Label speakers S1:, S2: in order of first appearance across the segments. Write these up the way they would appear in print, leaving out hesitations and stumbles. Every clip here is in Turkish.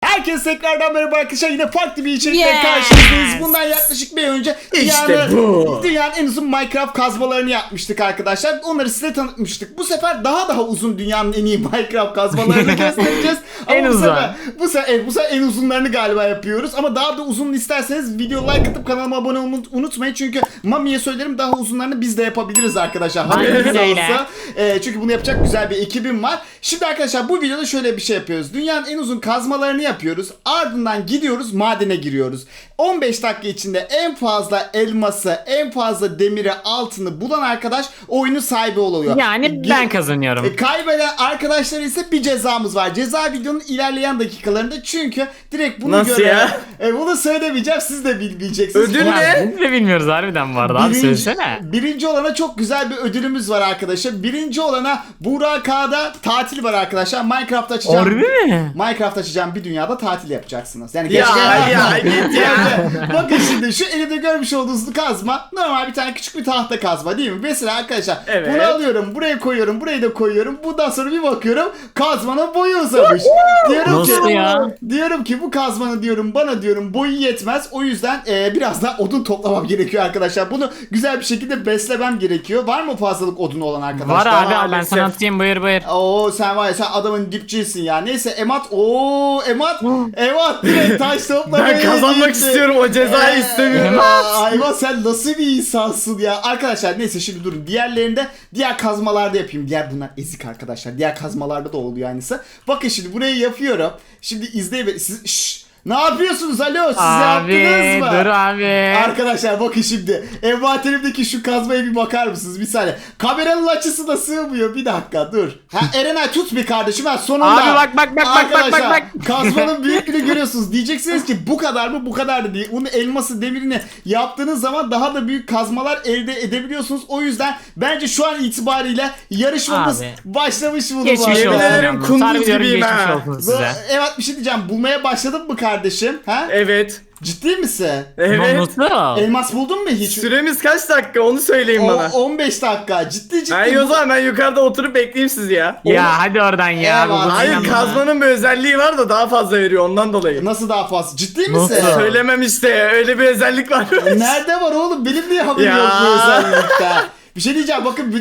S1: Herkese tekrardan merhaba arkadaşlar. Yine farklı bir içerikle karşınızdayız. Bundan yaklaşık bir ay önce dünyanın en uzun Minecraft kazmalarını yapmıştık arkadaşlar. Onları size tanıtmıştık. Bu sefer daha uzun dünyanın en iyi Minecraft kazmalarını göstereceğiz.
S2: En
S1: Ama
S2: uzun.
S1: bu sefer en uzunlarını galiba yapıyoruz. Ama daha da uzun isterseniz video like atıp kanalıma abone olmayı unutmayın. Çünkü Mami'ye söylerim, daha uzunlarını biz de yapabiliriz arkadaşlar. Haberiniz olsa. Çünkü bunu yapacak güzel bir ekibim var. Şimdi arkadaşlar bu videoda şöyle bir şey yapıyoruz. Dünyanın en uzun kazmalarını yapıyoruz. Ardından gidiyoruz, madene giriyoruz. 15 dakika içinde en fazla elması, en fazla demiri, altını bulan arkadaş oyunun sahibi oluyor.
S2: Yani ben kazanıyorum.
S1: Kaybeden arkadaşlar ise bir cezamız var. Ceza videonun ilerleyen dakikalarında, çünkü direkt bunu
S3: Nasıl ya?
S1: Bunu söylemeyeceğim, siz de bilmeyeceksiniz.
S3: Ödül
S1: Ulan,
S3: ne?
S2: Biz de bilmiyoruz harbiden bu arada abi, söylesene.
S1: Birinci olana çok güzel bir ödülümüz var arkadaşlar. Birinci olana Burak K'da tatil var arkadaşlar. Minecraft açacağım.
S2: Harbi mi?
S1: Minecraft açacağım bir dünyada tatil yapacaksınız. Yani
S3: Ya git ya.
S1: Bakın şimdi şu elimde görmüş olduğunuz kazma normal bir tane küçük bir tahta kazma değil mi? Mesela arkadaşlar
S3: Evet.
S1: bunu alıyorum, buraya koyuyorum, burayı da koyuyorum. Bundan sonra bir bakıyorum kazmanın boyu uzamış.
S2: Nasıl ya?
S1: Diyorum ki bu kazmanın bana boyu yetmez. O yüzden biraz daha odun toplamam gerekiyor arkadaşlar. Bunu güzel bir şekilde beslemem gerekiyor. Var mı fazlalık odun olan arkadaşlar?
S2: Var abi, ben
S3: maalesef.
S2: sana atayım, buyur.
S1: Oo sen var ya, sen adamın dipçisin ya. Neyse Emat. Emat direkt taş toplamaya
S3: Ben kazanmak
S1: gitti.
S3: istiyorum, o cezayı istemiyorum.
S1: Hayvan, sen nasıl bir insansın ya. Arkadaşlar neyse şimdi durun. Diğer kazmalarda yapayım. Bunlar ezik arkadaşlar. Diğer kazmalarda da oluyor aynısı. Bakın şimdi burayı yapıyorum. Şimdi izleyin. Siz ne yapıyorsunuz? Alo, siz
S2: Abi
S1: yaptınız mı?
S2: dur abi.
S1: Arkadaşlar bakın şimdi. Envanterimdeki şu kazmaya bir bakar mısınız? Bir saniye. Kameranın açısı da sığmıyor. Bir dakika dur. Erenay tut bir kardeşim. Sonunda.
S2: Abi bak.
S1: Arkadaşlar kazmanın büyüklüğünü görüyorsunuz. Diyeceksiniz ki bu kadar mı? Bu kadar da değil. Bunun elması, demirini yaptığınız zaman daha da büyük kazmalar elde edebiliyorsunuz. O yüzden bence şu an itibariyle yarışmamız
S2: Abi.
S1: başlamış bulunmalı.
S2: Geçmiş
S3: Yemin
S2: olsun.
S3: ederim
S2: yalnız.
S3: kunduz
S2: Harbi diyorum,
S3: gibiyim
S2: geçmiş
S3: ha.
S2: olsun size.
S1: Evet, bir şey diyeceğim. Bulmaya başladın mı kardeşim? Ha?
S3: Evet.
S1: Ciddi misin?
S3: Evet.
S2: Nasıl?
S1: Elmas buldun mu hiç?
S3: Süremiz kaç dakika onu söyleyin bana.
S1: 15 dakika. Ciddi.
S3: Hayır, o zaman ben yukarıda oturup bekleyeyim sizi ya.
S2: Ya hadi oradan ya.
S1: Eyvallah.
S2: bu
S3: Hayır,
S2: inanma.
S3: kazmanın bir özelliği var da daha fazla veriyor ondan dolayı.
S1: Nasıl daha fazla? Ciddi misin?
S2: Nasıl?
S3: Söylemem işte, öyle bir özellik var.
S1: Nerede var oğlum? Benim niye haberim
S3: Ya.
S1: yok bu özellikte? Bir şey diyeceğim, bakın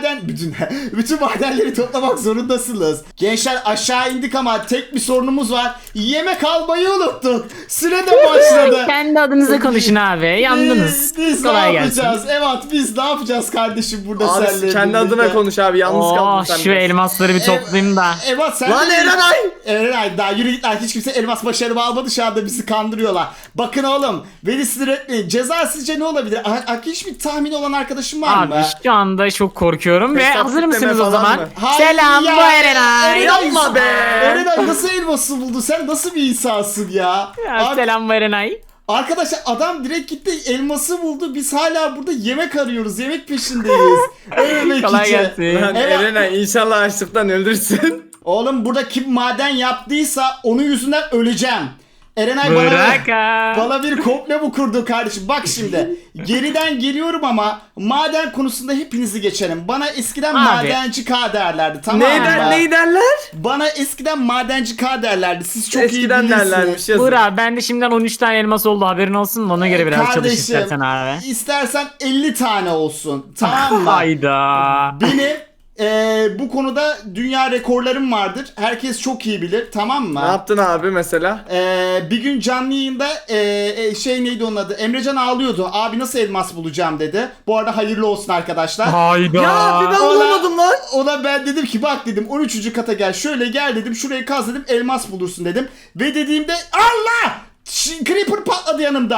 S1: bütün madenleri toplamak zorundasınız. Gençler aşağı indik ama tek bir sorunumuz var. Yemek almayı unuttuk. Süre de başladı.
S2: Kendi adınıza konuşun abi. Yandınız.
S1: Biz ne
S2: Kolay gelsin.
S1: yapacağız? Evet, biz ne yapacağız kardeşim burada
S3: Abi
S1: seninle
S3: kendi
S1: birlikte?
S3: adına konuş abi, yalnız kaldın sen.
S2: Şu elmasları bir toplayayım da.
S1: Evet sen
S3: Lan
S1: de-
S3: Erenay!
S1: Erenay daha yürü git lan, hiç kimse elmas başarımı almadı, şu anda bizi kandırıyorlar. Bakın oğlum, beni sinir etmeyin. Ceza sizce ne olabilir? Hiçbir tahmin olan arkadaşım var mı?
S2: Abi şu anda çok korkuyorum ve
S3: Hesap
S2: hazır
S3: kitleme
S2: mısınız o
S3: falan
S2: zaman?
S3: mı?
S1: Hayır
S2: Selam,
S1: ya.
S2: bu Erenay.
S3: Yapma be.
S1: Erenay nasıl elması buldu? Sen nasıl bir insansın ya?
S2: Ya,
S1: Abi,
S2: selam bu Erenay.
S1: arkadaşlar adam direkt gitti elması buldu. Biz hala burada yemek arıyoruz. Yemek peşindeyiz. Ölmemek
S2: Kolay
S1: için.
S2: gelsin.
S3: Lan
S1: Evet.
S3: Erenay, inşallah açlıktan öldürsün.
S1: Oğlum burada kim maden yaptıysa onun yüzünden öleceğim. Erenay
S2: Bırak
S1: bana bir komple bu kurdu kardeşim. Bak şimdi geriden geliyorum ama maden konusunda hepinizi geçerim. Bana eskiden
S2: Abi.
S1: madenci K derlerdi, tamam mı?
S3: Ney derler?
S1: Bana eskiden madenci K derlerdi. Siz çok
S3: Eskiden
S1: iyi bilirsiniz.
S3: derlermiş, yazın.
S2: Buyur abi, ben de şimdiden 13 tane elmas oldu, haberin olsun. Ona göre biraz çalış istersen abi.
S1: istersen 50 tane olsun. Tamam mı?
S2: Hayda.
S1: Benim bu konuda dünya rekorlarım vardır. Herkes çok iyi bilir, tamam mı?
S3: Ne yaptın abi mesela?
S1: Bir gün canlı yayında neydi onun adı? Emrecan ağlıyordu. Abi nasıl elmas bulacağım dedi. Bu arada hayırlı olsun arkadaşlar.
S2: Hayda.
S3: Ya abi ben bulamadım lan.
S1: Ona ben dedim ki bak dedim 13. kata gel, şöyle gel dedim, şurayı kaz dedim, elmas bulursun dedim. Ve dediğimde Allah! Creeper patladı yanımda.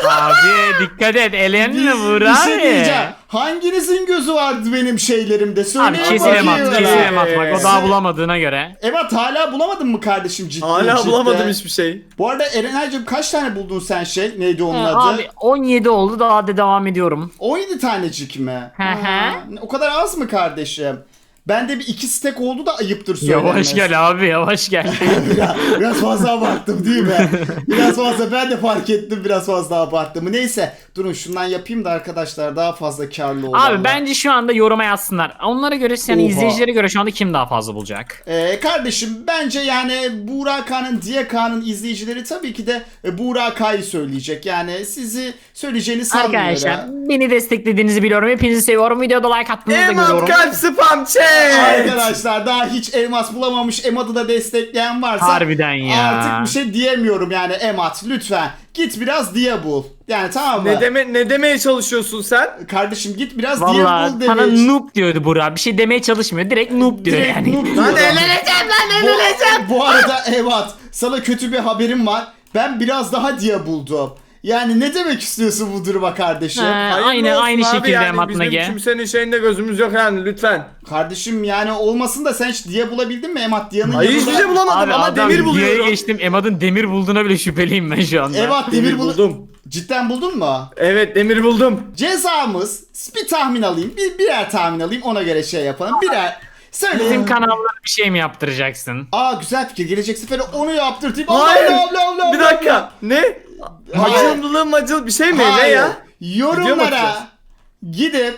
S2: Abi dikkat et, elenme vur
S1: Bir
S2: abi.
S1: şey diyeceğim. Hanginizin gözü vardı benim şeylerimde?
S2: Abi
S1: Söyleyin
S2: kesin
S1: bakayım
S2: emat,
S1: bana.
S2: kesin emat, bak o daha bulamadığına göre.
S1: Evet, hala bulamadın mı kardeşim ciddi
S3: Hala
S1: ciddi?
S3: bulamadım hiçbir şey.
S1: Bu arada Erenay'cığım kaç tane buldun sen neydi onun adı?
S2: Abi 17 oldu, daha da devam ediyorum.
S1: 17 tanecik mi?
S2: Hı hı.
S1: Ha, o kadar az mı kardeşim? Bende bir 2 stek oldu da ayıptır söylemesi.
S2: Yavaş gel abi, yavaş gel.
S1: Biraz fazla abarttım değil mi? Biraz fazla, ben de fark ettim biraz fazla abarttım. Neyse Durun şundan yapayım da arkadaşlar daha fazla karlı olur.
S2: Abi bence şu anda yoruma yazsınlar. Onlara göre yani
S1: Oha.
S2: izleyicilere göre şu anda kim daha fazla bulacak?
S1: Kardeşim bence yani Burak K'nın, Diye K'nın izleyicileri tabii ki de Burak K'yı söyleyecek. Yani sizi söyleyeceğini sanmıyorum.
S2: Arkadaşlar beni desteklediğinizi biliyorum. Hepinizi seviyorum. Videoda like attığınızı da
S3: Emat
S2: görüyorum.
S3: kalp spam chat.
S1: Arkadaşlar daha hiç elmas bulamamış Emad'ı da destekleyen varsa
S2: Harbiden ya.
S1: artık bir şey diyemiyorum yani Emad lütfen git biraz Diye bul. Yani tamam mı?
S3: Ne demeye çalışıyorsun sen?
S1: Kardeşim git biraz Diye
S2: Valla
S1: bul
S2: sana
S1: demiş.
S2: noob diyordu Burak. Bir şey demeye çalışmıyor. Direkt noob diyor
S1: Direkt
S2: yani.
S1: noob
S3: Lan
S1: diyorum.
S3: eğleneceğim lan eğleneceğim.
S1: Bu arada Emad sana kötü bir haberim var. Ben biraz daha Diye buldum. Yani ne demek istiyorsun bu duruma kardeşim?
S2: Ha,
S3: Hayırlı olsun
S2: aynı
S3: abi
S2: şekilde
S3: yani,
S2: Emat
S3: bizim
S2: Nage.
S3: kimsenin şeyinde gözümüz yok yani lütfen.
S1: Kardeşim yani olmasın da sen hiç Diye bulabildin mi Emad? Diye'nin
S3: Hayır hiçbir şey bulamadım
S2: Abi
S3: ama
S2: adam
S3: demir buluyorum.
S2: Diye'ye geçtim. Emad'ın demir bulduğuna bile şüpheliyim ben şu anda.
S1: Emad
S3: Demir
S1: demir
S3: buldum.
S1: Cidden buldun mu?
S3: Evet demir buldum.
S1: Cezamız bir tahmin alayım. Birer tahmin alayım ona göre şey yapalım. Birer. Söyle.
S2: Bizim kanallara bir şey mi yaptıracaksın?
S1: Aa güzel fikir. Gelecek sefer onu yaptırtayım.
S3: Hayır.
S1: Allah.
S3: Bir dakika. Ne?
S1: Hayır.
S3: Macıl bir şey mi? Ne
S1: Hayır.
S3: ya? Video mu atacağız?
S1: Yorumlara gidip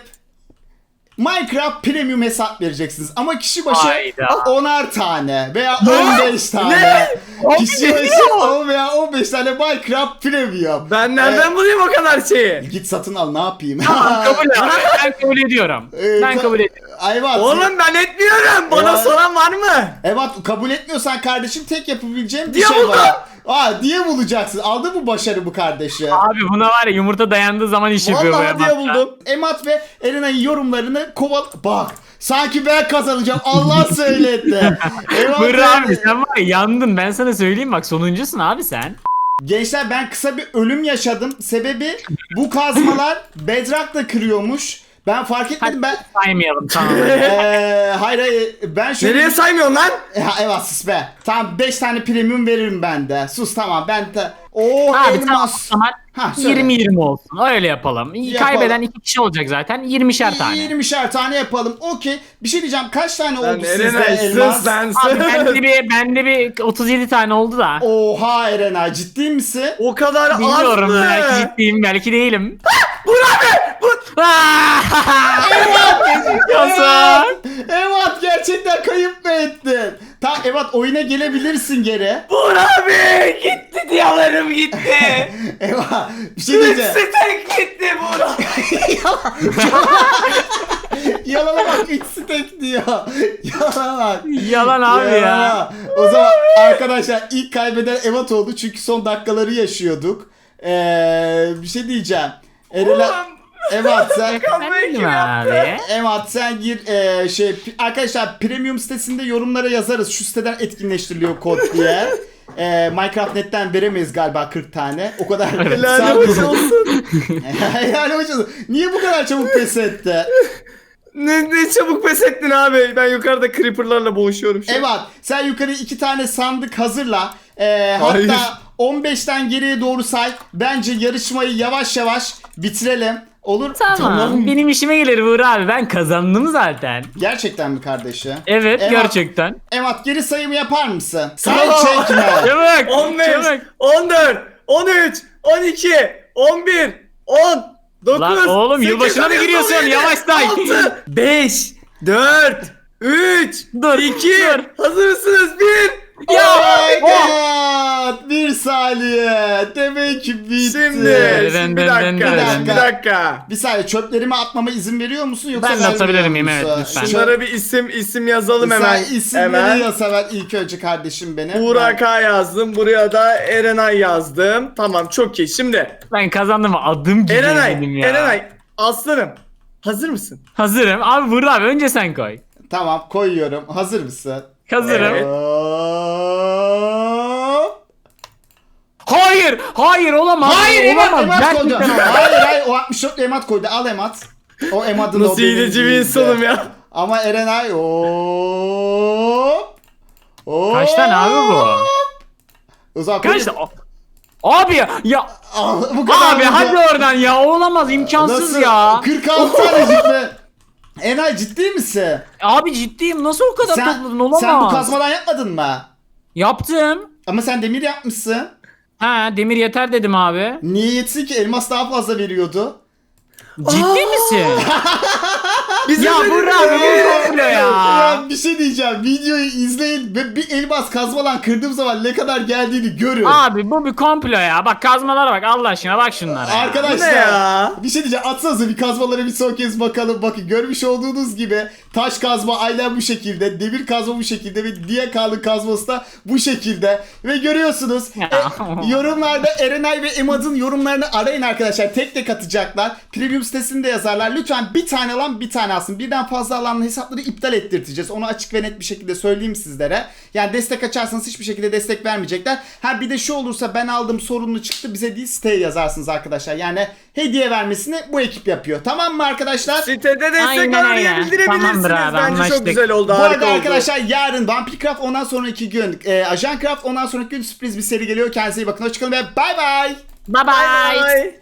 S1: Minecraft Premium hesap vereceksiniz ama kişi başı
S2: Hayda.
S1: 10'ar tane veya
S3: Ne?
S1: 15 tane.
S3: Ne?
S1: Kişi
S3: Abi,
S1: başı 10 veya 15 tane Minecraft Premium.
S3: Ben nereden bulayım o kadar şeyi?
S1: Git satın al ne yapayım?
S2: Kabul et. Ben kabul ediyorum. Ben kabul ediyorum.
S1: Ayvat.
S3: Oğlum ben etmiyorum. Bana
S1: Ya.
S3: soran var mı?
S1: Evet kabul etmiyorsan kardeşim tek yapabileceğim bir
S3: Diye
S1: şey
S3: buldum.
S1: var. Diye bulacaksın. Aldı mı başarı bu kardeşi?
S2: Abi buna var ya yumurta dayandığı zaman iş yapıyor bu
S3: Vallahi diye
S2: Emad'da.
S3: buldum.
S1: Emat ve Erena'nın yorumlarını koval... Bak sanki ben kazanacağım. Allah söyletti. Emat
S2: Burak abi sen var ya yandın, ben sana söyleyeyim bak, sonuncusun abi sen.
S1: Gençler ben kısa bir ölüm yaşadım. Sebebi bu kazmalar bedrock'la kırıyormuş. Ben fark etmedim ben...
S2: Saymayalım tamam.
S1: hayır ben şöyle...
S3: Nereye saymıyorsun lan?
S1: Evet sus be. Tamam 5 tane premium veririm ben de. Sus tamam ben de... Oo
S2: Abi tamam o
S1: elmas.
S2: zaman
S1: Ha, söyle.
S2: 20-20 olsun, öyle yapalım.
S1: Yapalım.
S2: Kaybeden 2 kişi olacak zaten, 20'şer tane.
S1: 20'şer tane yapalım. Okey. Bir şey diyeceğim. Kaç tane
S3: Lan
S1: oldu sizde
S3: Erenay
S1: elmas?
S3: sus lan
S2: Abi
S3: sus.
S2: bende bir 37 tane oldu da.
S1: Oha Erenay ciddi misin?
S3: O kadar az
S2: Bilmiyorum,
S3: mı?
S2: belki ciddiyim belki değilim.
S1: Evet gerçekten kayıp mı ettin? Tamam evet oyuna gelebilirsin geri.
S3: Buğra abi gitti diyalarım gitti.
S1: Evet bir şey diyeceğim.
S3: Stek gitti Buğra.
S1: Yalana bak 3 stack diyor. Yalana bak.
S2: Yalan abi ya.
S1: Yalana. O zaman arkadaşlar ilk kaybeden Evet oldu çünkü son dakikaları yaşıyorduk. Bir şey diyeceğim. Erenay... Evet sen...
S2: Efendim abi.
S1: Evet sen gir arkadaşlar premium sitesinde yorumlara yazarız şu siteden etkinleştiriliyor kod diye. Minecraft.net'ten veremeyiz galiba 40 tane. O kadar.
S3: Helal hoş olsun.
S1: Helal hoş olsun. Niye bu kadar çabuk pes etti?
S3: Ne çabuk pes ettin abi. Ben yukarıda creeperlarla boğuşuyorum şu an.
S1: Evet sen yukarı 2 tane sandık hazırla.
S3: Hayır.
S1: Hatta 15'ten geriye doğru say. Bence yarışmayı yavaş yavaş bitirelim. Olur.
S2: Tamam. Benim işime gelir Buğra abi, ben kazandım zaten.
S1: Gerçekten mi kardeşim?
S2: Evet
S1: Evet.
S2: gerçekten.
S1: Evet geri sayımı yapar mısın? Say
S3: Tamam.
S1: çekme.
S2: Çabuk
S3: 15,
S2: çabuk.
S3: 14, 13, 12, 11, 10, 9,
S2: Lan oğlum, yılbaşına mı giriyorsun? Yavaş say.
S3: 6, 5, 4, 3,
S2: Dur,
S3: 2,
S2: dur.
S3: hazır mısınız? 1.
S2: Ya,
S1: Oh my god! Bir saniye. Demek ki bitti.
S3: Şimdi
S2: Dın
S3: bir
S2: dın dın
S3: dakika,
S1: dın.
S3: bir dakika.
S1: Bir saniye çöplerimi atmama izin veriyor musun yoksa
S2: Ben de
S1: vermiyor
S2: atabilir miyim?
S1: musun?
S2: Evet, lütfen.
S3: Şunlara bir isim yazalım hemen.
S1: Sen isimleri yaz hemen ilk önce kardeşim benim.
S3: Buğra K yazdım. Buraya da Erenay yazdım. Tamam çok iyi. Şimdi
S2: Ben kazandım, adım gibi
S3: Erenay,
S2: dedim ya.
S3: Erenay aslanım. Hazır mısın?
S2: Hazırım. Abi Buğra abi önce sen koy.
S1: Tamam koyuyorum. Hazır mısın?
S2: Hazırım.
S3: Evet.
S1: Hop.
S2: Hayır olamaz.
S1: Hayır Emat
S2: olamaz.
S1: koydu.
S2: Gerçekten olamaz.
S1: Hayır o 64 Emat koydu. Al Emat. O Emat'ın o
S3: Nasıl
S1: benim
S3: hileci bir
S1: değildi.
S3: insanım ya.
S1: Ama Erenay hop. Hop.
S2: Kaç tane abi bu?
S1: O zaman
S2: Kaç tane? Abi ya
S1: bu kadar
S2: abi
S1: mıydı?
S2: hadi oradan ya, olamaz, imkansız
S1: Nasıl?
S2: ya.
S1: 46 tane ciddi. Erenay ciddi misin?
S2: Abi ciddiyim, nasıl o kadar topladın, olamaz.
S1: Sen bu kazmadan yapmadın mı?
S2: Yaptım.
S1: Ama sen demir yapmışsın.
S2: Ha demir yeter dedim abi.
S1: Niye yetsin ki? Elmas daha fazla veriyordu.
S2: Ciddi misin?
S3: Bize
S2: Ya
S3: dedi
S2: Burak abi
S3: de-
S2: bu komplo ya.
S1: Ya bir şey diyeceğim. Videoyu izleyin ve bir elmas kazmalan kırdığım zaman ne kadar geldiğini görün.
S2: Abi bu bir komplo ya. Bak kazmalara bak Allah aşkına bak şunlara. ya.
S1: Arkadaşlar
S3: Bu ne ya?
S1: bir şey diyeceğim, atsanıza bir kazmalara bir son kez bakalım. Bakın görmüş olduğunuz gibi taş kazma aynen bu şekilde, demir kazma bu şekilde ve diğer kalın kazması da bu şekilde. Ve görüyorsunuz
S2: Ya.
S1: yorumlarda Erenay ve Emad'ın yorumlarını arayın arkadaşlar, tek tek atacaklar. Premium sitesinde yazarlar, lütfen bir tane alan bir tane alsın. Birden fazla alanın hesapları iptal ettirteceğiz. Onu açık ve net bir şekilde söyleyeyim sizlere. Yani destek açarsanız hiçbir şekilde destek vermeyecekler. Ha bir de şu olursa, ben aldım sorunlu çıktı bize değil siteye yazarsınız arkadaşlar. Yani hediye vermesini bu ekip yapıyor. Tamam mı arkadaşlar?
S3: Sitede destek
S2: Aynen
S3: var diye
S2: öyle.
S3: bildirebilirsiniz.
S2: Tamamdır abi,
S3: Bence çok
S2: anlaştık.
S3: güzel oldu.
S1: Bu
S3: Harika
S1: arada
S3: oldu.
S1: arkadaşlar yarın Vampircraft, ondan sonraki gün Ajancraft, ondan sonraki gün sürpriz bir seri geliyor. Kendinize iyi bakın. Hoşçakalın ve bay bay.
S2: Bye
S3: Bye
S2: bye.
S3: bye.